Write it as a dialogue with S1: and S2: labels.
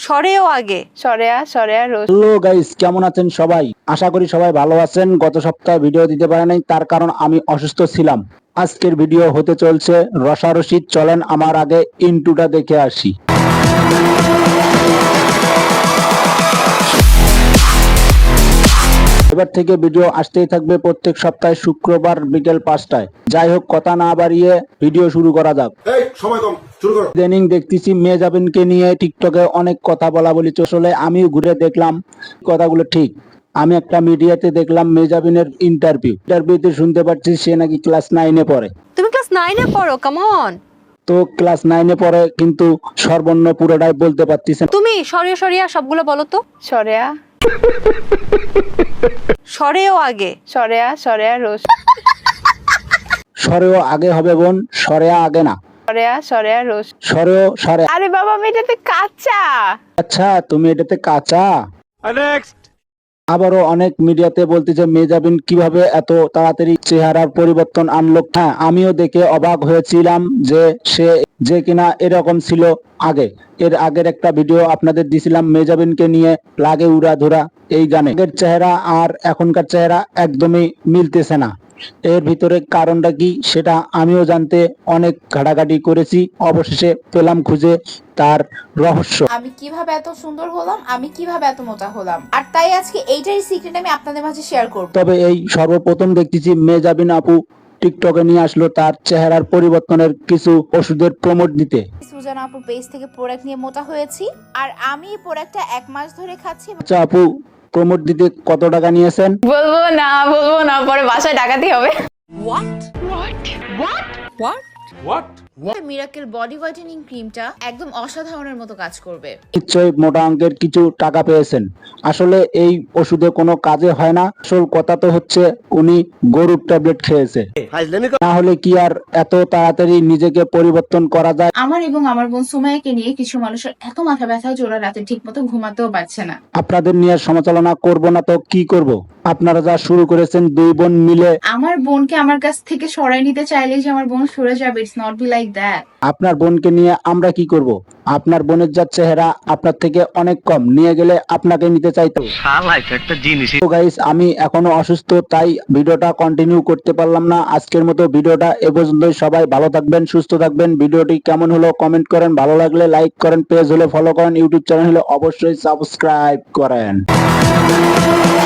S1: সরেও আগে
S2: সরেয়া রোজ।
S3: Hello guys, কেমন আছেন সবাই? আশা করি সবাই ভালো আছেন। গত সপ্তাহে ভিডিও দিতে পারি নাই, তার কারণ আমি অসুস্থ ছিলাম। আজকের ভিডিও হতে চলছে রসারসি। চলেন আমার আগে ইন্টুটা দেখে আসি। এবার থেকে ভিডিও আসতেই থাকবে প্রত্যেক সপ্তাহে শুক্রবার বিকেল 5টায়। যাই হোক, কথা না বাড়িয়ে ভিডিও শুরু করা যাক। ইদানিং দেখতেছি মেজাবিনকে নিয়ে টিকটকে অনেক কথা বলা বলি চলে। আমিও ঘুরে দেখলাম কথাগুলো ঠিক। আমি একটা মিডিয়াতে দেখলাম মেজাবিনের ইন্টারভিউতে শুনতে পাচ্ছি সে নাকি ক্লাস 9-এ পড়ে।
S1: তুমি ক্লাস 9-এ পড়ো? Come on.
S3: তো ক্লাস 9-এ পড়ে কিন্তু সর্বর্ণ পুরোটাই বলতে পারতেছে না।
S1: তুমি সরিয়া সবগুলো বলো তো। সরেও আগে
S2: সরেয়া রোজ।
S3: সরেও আগে হবে বোন, সরেয়া আগে না।
S2: সরেয়া রোজ।
S3: সরে।
S2: আরে বাবা, আমি এটাতে কাঁচা।
S3: আচ্ছা, তুমি এটাতে কাঁচা। আবারও অনেক মিডিয়াতে বলতেছে মেজাবিন কিভাবে এত তাড়াতাড়ি চেহারার পরিবর্তন আনলো। হ্যাঁ, আমিও দেখে অবাক হয়েছিলাম যে কিনা এরকম ছিল আগে। এর আগের একটা ভিডিও আপনাদের দিছিলাম মেজাবিনকে নিয়ে, লাগে উড়াধুরা এই গানে। আগের চেহারা আর এখনকার চেহারা একদমই মিলতেছে না। এর ভিতরে কারণটা কি সেটা আমিও জানতে অনেক ঘাটাঘাটি করেছি। অবশেষে পেলাম খুঁজে তার রহস্য।
S4: আমি কিভাবে এত সুন্দর হলাম, আমি কিভাবে এত মোটা হলাম, আর তাই আজকে এইটারই সিক্রেট আমি আপনাদের মাঝে শেয়ার করব।
S3: তবে এই সর্বপ্রথম দেখতেছি মেজাবিন আপু টিকটকে নিয়ে আসলো তার চেহারার পরিবর্তনের কিছু ওষুধের প্রমোট দিতে।
S4: সুজান আপুর পেজ থেকে প্রোডাক্ট নিয়ে মোটা হয়েছি, আর আমি এই প্রোডাক্টটা 1 মাস ধরে খাচ্ছি।
S3: আচ্ছা আপু, প্রমোট দিতে কত টাকা নিয়েছেন?
S2: বলবো না, পরে বাসায় ডাকাতি হবে।
S4: মিরাকেল বডি হোয়াইটেনিং ক্রিমটা একদম অসাধারণের মতো কাজ করবে।
S3: নিশ্চয়ই মোটা অঙ্কের কিছু টাকা পেয়েছেন। আসলে এই ওষুধে কোনো কাজে হয় না। আসল কথা তো হচ্ছে উনি গরুর ট্যাবলেট খেয়েছে, না হলে কি আর এত তাড়াতাড়ি নিজেকে পরিবর্তন করা যায়?
S5: আমার এবং আমার বোন সুমাইয়াকে নিয়ে কিছু মানুষের এত মাথা ব্যথা যে ওরা রাতে ঠিক মতো ঘুমাতেও পারছে না।
S3: আপনাদের নিয়ে সমালোচনা করব না তো কি করব? আপনারা যা শুরু করেছেন দুই বোন মিলে।
S5: আমার বোনকে আমার কাছ থেকে সরাই নিতে চাইলে যে আমার বোন সরে যাবে, it's not be like that.
S3: আপনার বোনকে নিয়ে আমরা কি করব? আপনার বোনের যা চেহারা আপনার থেকে অনেক কম, নিয়ে গেলে আপনাকে নিতে চাইতো। তো গাইস, আমি এখনো অসুস্থ, তাই ভিডিওটা কন্টিনিউ করতে পারলাম না। আজকের মতো ভিডিওটা এ পর্যন্তই। সবাই ভালো থাকবেন, সুস্থ থাকবেন। ভিডিওটি কেমন হলো কমেন্ট করেন, ভালো লাগলে লাইক করেন, পেজ হলে ফলো করেন, ইউটিউব চ্যানেল হলে অবশ্যই সাবস্ক্রাইব করেন।